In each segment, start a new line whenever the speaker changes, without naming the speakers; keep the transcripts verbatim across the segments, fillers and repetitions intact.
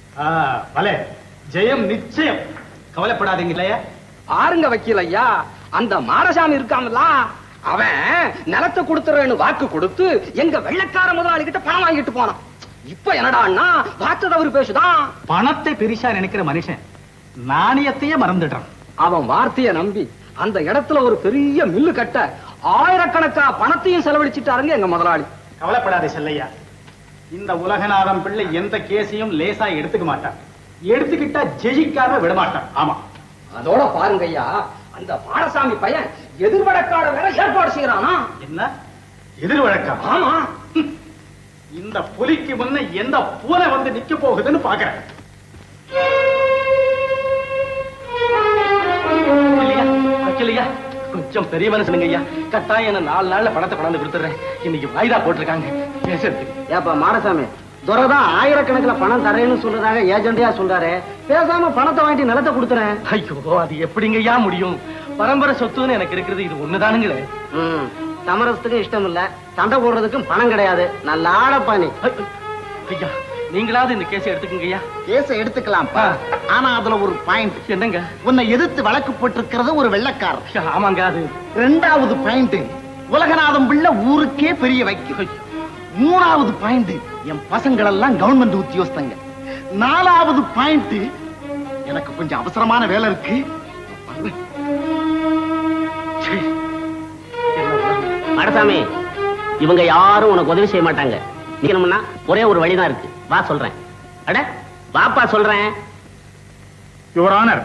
பலே ஜெயம் நிச்சயம், கவலைப்படாதீங்க இல்லையா?
ஆருங்க வக்கீல் ஐயா, அந்த மாடசாமி இருக்காமல அவன் நிலத்தை கொடுத்துறேன்னு வாக்கு கொடுத்து எங்க வெள்ளக்கார முதலாளி கிட்ட பணம் வாங்கிட்டு போனான். இப்ப என்னடான்னா வார்த்தை தவறு பேசுதான்.
பணத்தை பெரிசா நினைக்கிற மனுஷன் நாணயத்தையே மறந்துடுறான்.
அவன் வார்த்தையை நம்பி அந்த இடத்துல ஒரு பெரிய மில்லு கட்ட ஆயிரக்கணக்கா பணத்தையும் செலவழிச்சிட்டாருங்க எங்க முதலாளி.
கவலைப்படாதே செல்லையா, இந்த உலகநாதம் பிள்ளை எந்த கேஸையும் லேசா எடுத்துக்க மாட்டான். எடுத்துக்கிட்டா ஜெயிக்காம விடமாட்டான். ஆமா,
அதோட பாருங்க ஐயா, அந்த மாடசாமி பையன் எதிர்வழக்காட வேற ஏற்பாடு செய்யறானா.
என்ன எதிர்வழக்கம்?
ஆமா,
இந்த புலிக்கு முன்ன எந்த பூனை வந்து நிக்க போகுதுன்னு பாக்குறேன். கொஞ்சம் பெரிய மனுஷனுங்க ஐயா, கட்டாயம் என்ன நாலு நாள்ல பணத்தை கொண்டாந்து கொடுத்துறேன். இன்னைக்கு வாய்தா போட்டிருக்காங்க பேசுறதுக்கு.
ஏப்பா மாடசாமி, துரைதான் ஆயிரக்கணக்கில் பணம் தரேன்னு சொல்றதாக ஏஜெண்டியா சொல்றாரு. பேசாம பணத்தை வாங்கி நிலத்தை கொடுத்துறேன்.
ஐயோ, அது எப்படிங்க ஐயா முடியும்? பரம்பரை சொத்துன்னு எனக்கு இருக்கிறது இது ஒண்ணுதானுங்களே.
ம், சமரசத்துக்கும் இஷ்டம் இல்ல, சண்டை போடுறதுக்கும் பணம் கிடையாது. நல்ல ஆளப்பா நீ.
ஐயா, நீங்களாவது இந்த கேஸை எடுத்துக்கங்க ஐயா.
கேஸை எடுத்துக்கலாம்ப்பா, ஆனா அதுல ஒரு பாயிண்ட்.
என்னங்க?
உன்னை எதிர்த்து வழக்கு போட்டிருக்கிறது ஒரு வெள்ளக்காரர்.
ஆமாங்க. அது
ரெண்டாவது பாயிண்ட், உலகநாதம் பிள்ளை ஊருக்கே பெரிய வைக்க. மூணாவது பாயிண்ட், என் பசங்கள் எல்லாம் கவர்மெண்ட் உத்தியோகஸ்தங்க. நாலாவது பாயிண்ட், எனக்கு கொஞ்சம் அவசரமான வேலை இருக்கு.
மாடசாமி, இவங்க யாரும் உனக்கு உதவி செய்ய மாட்டாங்க. நீக்கணும்னா ஒரே ஒரு வழிதான் இருக்கு. வா சொல்றேன். அட வாப்பா சொல்றேன்.
யுவர் ஆனர்,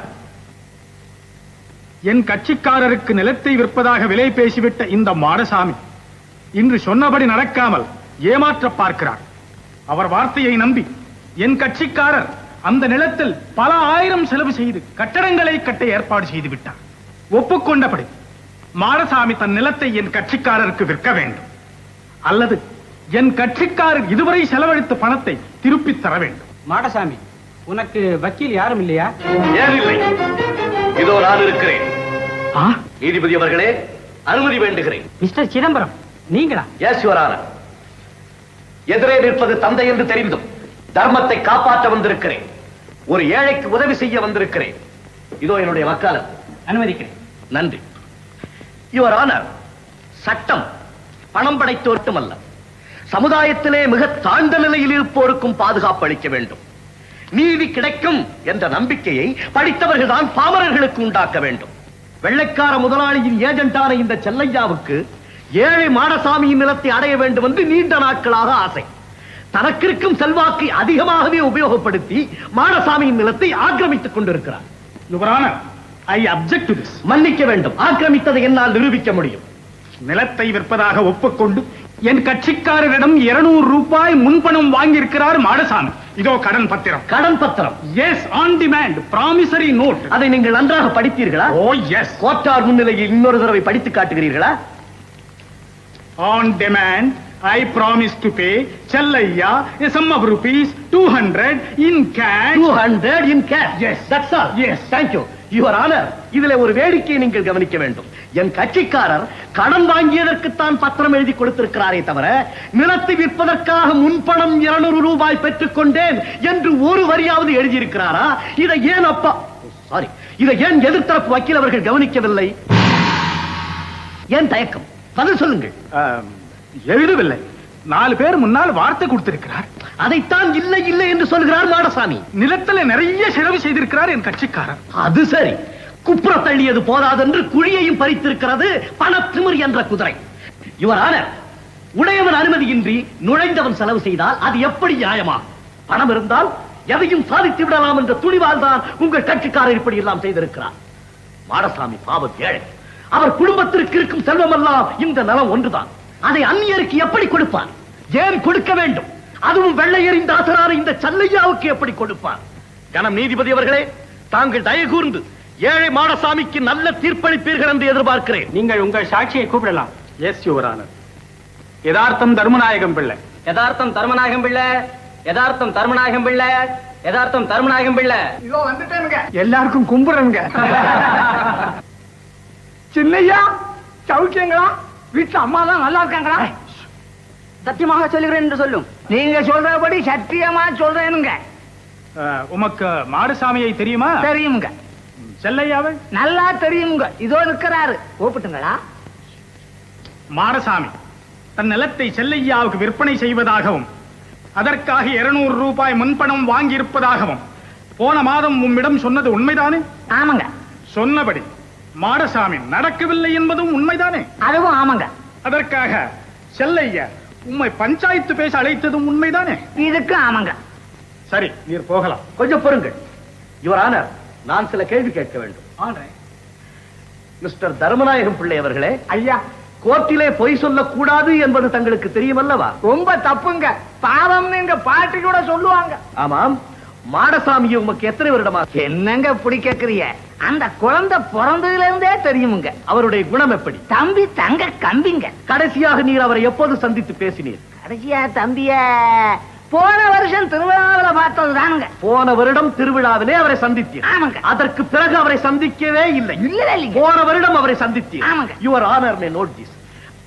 என் கட்சிக்காரருக்கு நிலத்தை விற்பதாக விலை பேசிவிட்ட இந்த மாடசாமி இன்று சொன்னபடி நடக்காமல் ஏமாற்ற பார்க்கிறார். அவர் வார்த்தையை நம்பி என் கட்சிக்காரர் அந்த நிலத்தில் பல ஆயிரம் செலவு செய்து கட்டடங்களை கட்ட ஏற்பாடு செய்து விட்டார். ஒப்புக்கொண்டபடி மாடசாமி தன் நிலத்தை என் கட்சிக்காரருக்கு விற்க வேண்டும், அல்லது என் கட்சிக்காரர் இதுவரை செலவழித்த பணத்தை திருப்பி தர வேண்டும்.
மாடசாமி, உனக்கு வக்கீல் யாரும் இல்லையா?
ஏன் இல்லை, இதோ நான் இருக்கிறேன். நீதிபதி அவர்களே, அனுமதி வேண்டுகிறேன்.
மிஸ்டர் சிதம்பரம், நீங்களா?
Yes your honour. எதிரே நிற்பது தந்தை என்று தெரிந்தும் தர்மத்தை காப்பாற்ற வந்திருக்கிறேன். ஒரு ஏழைக்கு உதவி செய்ய வந்திருக்கிறேன். இதோ என்னுடைய வக்காலத்.
அனுமதிக்கிறேன்.
நன்றி. யுவர் ஆனர், சட்டம் பணம் படைத்தோர்க்கும் அல்ல, சமுதாயத்திலே மிக தாழ்ந்த நிலையில் இருப்போருக்கும் பாதுகாப்பு அளிக்க வேண்டும். நீதி கிடைக்கும் என்ற நம்பிக்கையை படித்தவர்கள் தான் பாமரர்களுக்கு உண்டாக்க வேண்டும். வெள்ளைக்கார முதலாளியின் ஏஜென்டான இந்த செல்லையாவுக்கு ஏழை மாடசாமியின் நிலத்தை அடைய வேண்டும் என்று நீண்ட நாட்களாக ஆசை. தனக்கிருக்கும் செல்வாக்கை அதிகமாகவே உபயோகப்படுத்தி மாடசாமியின் நிலத்தை ஆக்கிரமித்துக் கொண்டிருக்கிறார்.
Your honour, I object to this.
மன்னிக்க வேண்டும், ஆக்கிரமித்ததை என்னால் நிரூபிக்க முடியும்.
நிலத்தை விற்பதாக ஒப்புக்கொண்டு என் கட்சிக்காரரிடம் இருநூறு ரூபாய் முன்பணம் வாங்கியிருக்கிறார் மாடசாமி. இதோ கடன் பத்திரம்.
கடன் பத்திரம்?
Yes, on demand promissory note.
அதை நீங்கள் நன்றாக படித்தீர்களா?
ஓ எஸ்.
கோட்டார் முன்னிலையில் இன்னொரு தடவை படித்து காட்டுகிறீர்களா?
On demand, I promise to pay Chellaiya a sum of rupees two hundred in cash.
two hundred in cash?
Yes.
That's all?
Yes.
Thank you. Your Honor, இதிலே ஒரு வேடிக்கையை நீங்கள் கவனிக்க வேண்டும். என் கட்சிக்காரர் கடன் வாங்கியதற்குத்தான் பத்திரம் எழுதி கொடுத்திருக்கிறாரே தவிர நிலத்தை விற்பதற்காக முன்பணம் இருநூறு ரூபாய் பெற்றுக் கொண்டேன் என்று ஒரு வரியாவது எழுதியிருக்கிறாரா? இதை ஏன் அப்பா சாரி இதை ஏன் எதிர்த்தரப்பு வக்கீல் அவர்கள் கவனிக்கவில்லை? ஏன் தயக்கம்? பதில் சொல்லுங்கள்.
எழுதவில்லை. நாலு பேர் முன்னால் வார்த்தை கொடுத்திருக்கிறார்.
அதைத்தான் இல்லை இல்லை என்று சொல்கிறார் மாடசாமி.
நிலத்துல நிறைய செலவு செய்திருக்கிறார் என் கட்சிக்காரர்.
அது சரி, குப்புற தள்ளியது போதாதென்று குழியையும் பறித்திருக்கிறது பணத்திமிர் என்ற குதிரை. யுவர் ஆனர், உடையவன் அனுமதியின்றி நுழைந்தவன் செலவு செய்தால் அது எப்படி நியாயமா? பணம் இருந்தால் எதையும் சாதித்து விடலாம் என்ற துணிவால் தான் உங்கள் கட்சிக்காரர் இப்படி எல்லாம் செய்திருக்கிறார். மாடசாமி பாவம் ஏழை. அவர் குடும்பத்திற்கு இருக்கும் செல்வம் எல்லாம் இந்த நலம் ஒன்றுதான். அதை அந்நியருக்கு எப்படி கொடுப்பார்? ஏன் கொடுக்க வேண்டும்? அதுவும் வெள்ளையரின் தாசரான இந்த செல்லையாவுக்கு எப்படி கொடுப்பார்? கணம் நீதிபதி அவர்களே, தாங்கள் தயவு கூர்ந்து ஏழை மாடசாமிக்கு நல்ல தீர்ப்பளிப்பீர்கள் என்று எதிர்பார்க்கிறேன்.
நீங்கள் உங்கள் சாட்சியை கூப்பிடலாம்.
Yes your honour. யதார்த்தம் தர்மநாயகம் பிள்ளை.
யதார்த்தம் தர்மநாயகம் பிள்ளை. யதார்த்தம் தர்மநாயகம் பிள்ளை. யதார்த்தம் தர்மநாயகம் பிள்ளை.
இதோ வந்துட்டேனுங்க. எல்லாருக்கும் கும்பிடுறேங்க. சின்னையா, சௌக்கியங்களா? வீட்டுல அம்மா தான் நல்லா இருக்காங்களா?
சத்தியமாக சொல்லுகிறேன் என்று சொல்லும். நீங்க சொல்றபடி சத்தியமா சொல்றேனுங்க.
அஹ், உமக்கு மாடசாமியை தெரியுமா?
தெரியுங்க,
செல்லையாவை?
நல்லா தெரியுங்க. இதோ இருக்கிறாரு. கூப்பிட்டுங்களா?
மாடசாமி தன் நிலத்தை செல்லையாவுக்கு விற்பனை செய்வதாகவும் அதற்காக இருநூறு ரூபாய் முன்பணம் வாங்கி இருப்பதாகவும் போன மாதம் உம்மிடம் சொன்னது உண்மைதானே?
ஆமாங்க.
சொன்னபடி மாடசாமி நடக்கவில்லை என்பதும் உண்மைதானே?
அதுவும் ஆமாங்க.
அதற்காக செல்லையா உம்மை பஞ்சாயத்து பேச அழைத்ததும் உண்மைதானே?
இதுக்கு ஆமாங்க.
சரி, நீர் போகலாம்.
கொஞ்சம் பொறுங்கள் யுவர் ஆனர், நான் சில கேள்வி கேட்க வேண்டும். மிஸ்டர் தர்மநாயகம் பிள்ளை அவர்களே,
ஐயா,
கோர்ட்டிலே பொய் சொல்லக்கூடாது என்பது தங்களுக்கு தெரியுமல்லவா?
ரொம்ப தப்புங்க. பாவம்னு எங்க பாட்டி கூட சொல்லுவாங்க.
ஆமாம். மாடசாமியை உமக்கு எத்தனை வருடமா?
என்னங்க இப்படி கேக்குறீங்க? அந்த குழந்தை பிறந்ததுல இருந்தே தெரியுமுங்க.
அவருடைய குணம் எப்படி?
தம்பி தங்க கம்பிங்க.
கடைசியாக நீர் அவரை எப்போது சந்தித்து பேசினீர்?
கடைசியா தம்பிய போன வருஷம் திருவிழாவில பார்த்ததுதானுங்க.
போன வருடம் திருவிழாவிலே அவரை சந்தித்தீர்.
ஆமாங்க.
அதற்கு பிறகு அவரை சந்திக்கவே இல்லை.
இல்ல இல்லைங்க.
போன வருடம் அவரை சந்தித்தீர்.
ஆமாங்க.
Your honour may note this.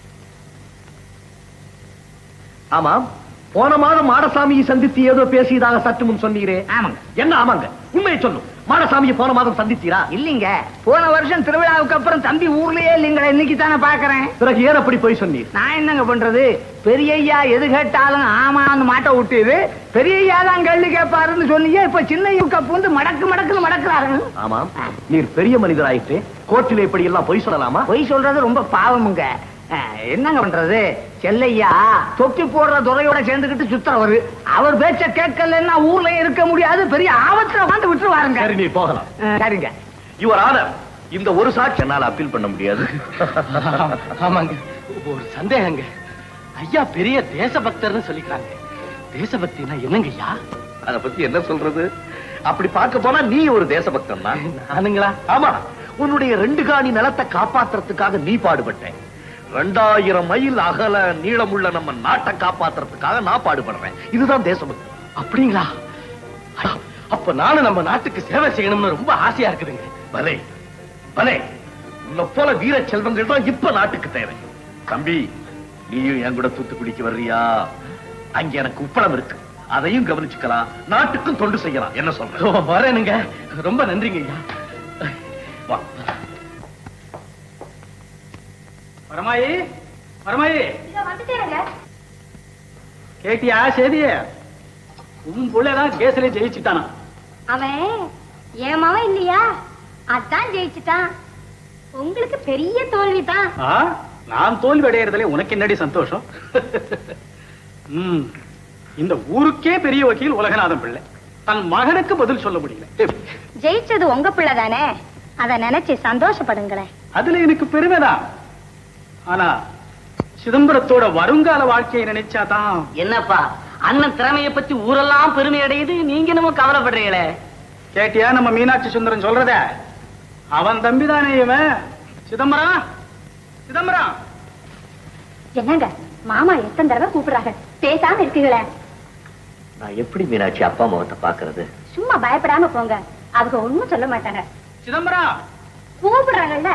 ஆமாம், போன மாதம் மாடசாமியை சந்தித்து ஏதோ பேசியதாக சற்று முன் சொன்னீரே.
ஆமாங்க.
என்ன ஆமாங்க? உண்மையை சொல்லும். மாடசாமியை போன மாதம் சந்தித்தீரா?
இல்லீங்க, போன வருஷம் திருவிழாவுக்கு அப்புறம் தம்பி ஊர்லயே இல்லீங்களா, இன்னைக்கு தானே பாக்குறேன்.
பிறகு ஏன் அப்படி போய் சொன்னீர்?
நான் என்னங்க பண்றது? பெரியய்யா எது கேட்டாலும் ஆமான்னு மாட்ட விட்டுது. பெரியய்யா தான் கேள்வி கேட்பாருன்னு சொன்னீங்க. இப்ப சின்ன பூந்து மடக்கு மடக்குன்னு மடக்குறாரு.
ஆமாம், நீர் பெரிய மனிதராயிற்று. கோர்ட்டில் இப்படி எல்லாம் பொய் சொல்லலாமா?
பொய் சொல்றது ரொம்ப பாவமுங்க. அஹ், என்னங்க பண்றது? செல்லையா தொப்பி போடுற துறையோட சேர்ந்துக்கிட்டு சுத்துறவரு. அவர் பேச்ச கேட்கலன்னா ஊர்ல இருக்க முடியாது. பெரிய ஆபத்துல வந்து விட்டுருவாருங்க.
சரி, நீ போகலாம்.
அஹ், சரிங்க.
யுவர் ஆனர், இந்த ஒரு சாட்சி என்னால் அப்பீல் பண்ண முடியாது.
ஆமாங்க, ஒரு சந்தேகங்க. ஐயா பெரிய தேசபக்தர்னு சொல்லிக்கிறாங்க. தேசபக்தினா என்னங்க ஐயா?
அத பத்தி என்ன சொல்றது? அப்படி பார்க்க போனா நீ ஒரு தேசபக்தன் தான்.
நானுங்களா?
ஆமா, உன்னுடைய ரெண்டு காணி நிலத்தை காப்பாத்துறதுக்காக நீ பாடுபட்டேன். ரெண்டாயிரம் மைல் அகல நீளமுள்ள நம்ம நாட்டை காப்பாத்துறதுக்காக நான் பாடுபடுறேன். இதுதான் தேசபக்தி.
அப்படிங்களா? அப்ப நானும் நம்ம நாட்டுக்கு சேவை செய்யணும்னு ரொம்ப ஆசையா இருக்குதுங்க.
பலே பலே, உன்னை போல வீர செல்வங்கள் தான் இப்ப நாட்டுக்கு தேவை. தம்பி, நீயும் என் கூட தூத்துக்குடிக்கு வர்றியா? அங்க எனக்கு உப்பளம் இருக்கு, அதையும் கவனிச்சுக்கலாம், நாட்டுக்கும் தொண்டு செய்யலாம். என்ன சொல்ற?
வரேனுங்க. ரொம்ப நன்றிங்க ஐயா.
வா.
பரமாயி, பரமாயி, கேட்டியா சேதிய? உன் புள்ளதான் கேஸ்ல ஜெயிச்சுட்டானா?
அவன் ஏமாவன் இல்லையா, அதான் ஜெயிச்சுட்டான். உங்களுக்கு பெரிய தோல்விதான்.
ஆ, நான் தோல்வி அடையறதுல உனக்கு என்னடி சந்தோஷம்? ம், இந்த ஊருக்கே பெரிய வக்கீல் உலகநாதன் பிள்ளை தன் மகனுக்கு பதில் சொல்ல முடியல.
ஜெயிச்சது உங்க பிள்ளை தானே, அத நினைச்சு சந்தோஷப்படுங்களேன்.
அதுல எனக்கு பெருமைதான். ஆனா சிதம்பரத்தோட வருங்கால வாழ்க்கையை நினைச்சாதான்.
என்னப்பா, அண்ணன் திறமையை பத்தி ஊரெல்லாம் பெருமை அடையுது, நீங்க என்னமோ கவலைப்படுறீங்களே.
கேட்டியா நம்ம மீனாட்சி சுந்தரம் சொல்றத? அவன் தம்பிதானே இவன். சிதம்பரம், சிதம்பரம்.
என்னங்க மாமா எத்தனை தடவை கூப்பிடுறாங்க, பேசாம இருக்கீங்களே.
நான் எப்படி மீனாட்சி அப்பா அம்மாவத்தை பாக்குறது?
சும்மா பயப்படாம போங்க, அவங்க ஒண்ணும் சொல்ல மாட்டாங்க.
சிதம்பரம்
கூப்பிடுறாங்கல்ல.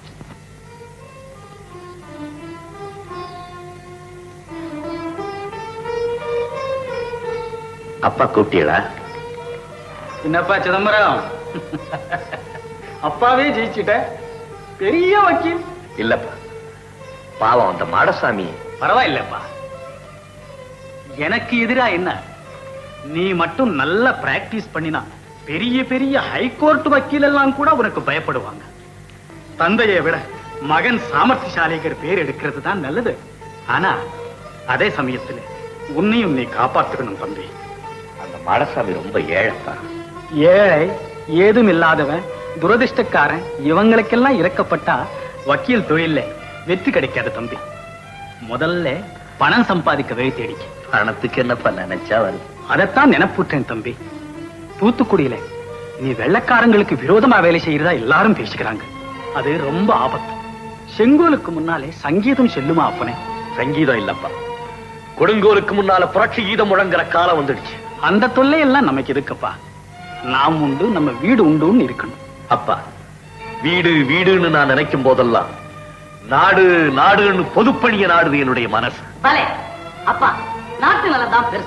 அப்பா கூப்பிட்டீங்களா?
என்னப்பா சிதம்பரம், அப்பாவே ஜெயிச்சுட்ட, பெரிய வக்கீல்.
இல்லப்பா, பாவம் அந்த மாடசாமி.
பரவாயில்லப்பா, எனக்கு எதிரா என்ன? நீ மட்டும் நல்ல பிராக்டிஸ் பண்ணினா பெரிய பெரிய ஹைகோர்ட் வக்கீல் எல்லாம் கூட உனக்கு பயப்படுவாங்க. தந்தையை விட மகன் சாமர்த்தியசாலிகர் பேர் எடுக்கிறது தான் நல்லது. ஆனா அதே சமயத்துல உன்னையும் நீ காப்பாத்துக்கணும் தம்பி.
அந்த மாடசாமி ரொம்ப ஏழைப்பா.
ஏழை, ஏதும் இல்லாதவன், துரதிர்ஷ்டக்காரன், இவங்களுக்கெல்லாம் இறக்கப்பட்டா வக்கீல் தொழில வெற்றி கிடைக்காது தம்பி. முதல்ல பணம் சம்பாதிக்க வழி தேடிக்க.
பணத்துக்கு என்னப்பா நினைச்சா வருது.
அதைத்தான் நினைப்புட்டேன் தம்பி. தூத்துக்குடியில நீ வெள்ளக்காரங்களுக்கு விரோதமா வேலை செய்யறதா எல்லாரும் பேசிக்கிறாங்க. அது ரொம்ப ஆபத்து. செங்கோலுக்கு முன்னாலே சங்கீதம் செல்லுமா அப்பனே?
சங்கீதம் இல்லப்பா, கொடுங்கோலுக்கு முன்னால புரட்சி கீதம் முழங்குற காலம் வந்துடுச்சு.
அந்த தொல்லையெல்லாம் நமக்கு எதுக்குப்பா? நாம் உண்டு, நம்ம வீடு உண்டுன்னு இருக்கணும்.
அப்பா, வீடு வீடுன்னு நான் நினைக்கும் போதெல்லாம் நாடு நாடுன்னு பொதுப்பணிய நாடுது என்னுடைய மனசு.
பலே அப்பா, நாட்டு நலம் தான் பெருசு.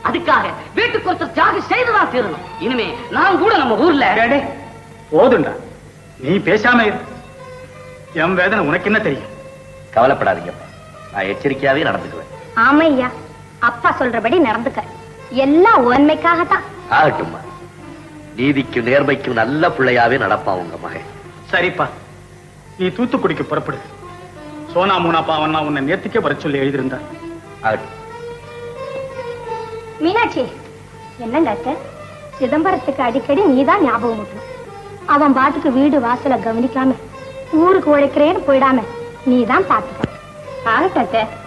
அதுக்காக வீட்டுக்கு ஒருத்தர் தியாகம் செய்துதான் தீரணும். இனிமே நான் கூட நம்ம ஊர்ல
டேடே, போதுண்டா, நீ பேசாம இரு. என் வேதனை உனக்கு என்ன தெரியும்?
கவலைப்படாதீங்கப்பா, நான் எச்சரிக்கையாவே நடந்துக்குவேன்.
ஆமையா, அப்பா சொல்றபடி நடந்துக்க. எல்லாம் உண்மைக்காகத்தான்.
ஆகட்டும்மா, நீதிக்கும் நேர்மைக்கும் நல்ல பிள்ளையாவே நடப்பான் உங்க மகன்.
சரிப்பா, நீ தூத்துக்குடிக்கு புறப்படு. சோனா மூனா பாவன்னா உன்னை நேர்த்திக்கே வர சொல்லி எழுதியிருந்தார்.
ஆகட்டும்.
மீனாட்சி, என்னங்க அத்தை, சிதம்பரத்துக்கு அடிக்கடி நீதான் ஞாபகம் ஊட்டணும். அவன் பாட்டுக்கு வீடு வாசல கவனிக்காம ஊருக்கு உழைக்கிறேன்னு போயிடாம நீதான் பாத்துக்க. ஆகட்டும் அத்தை.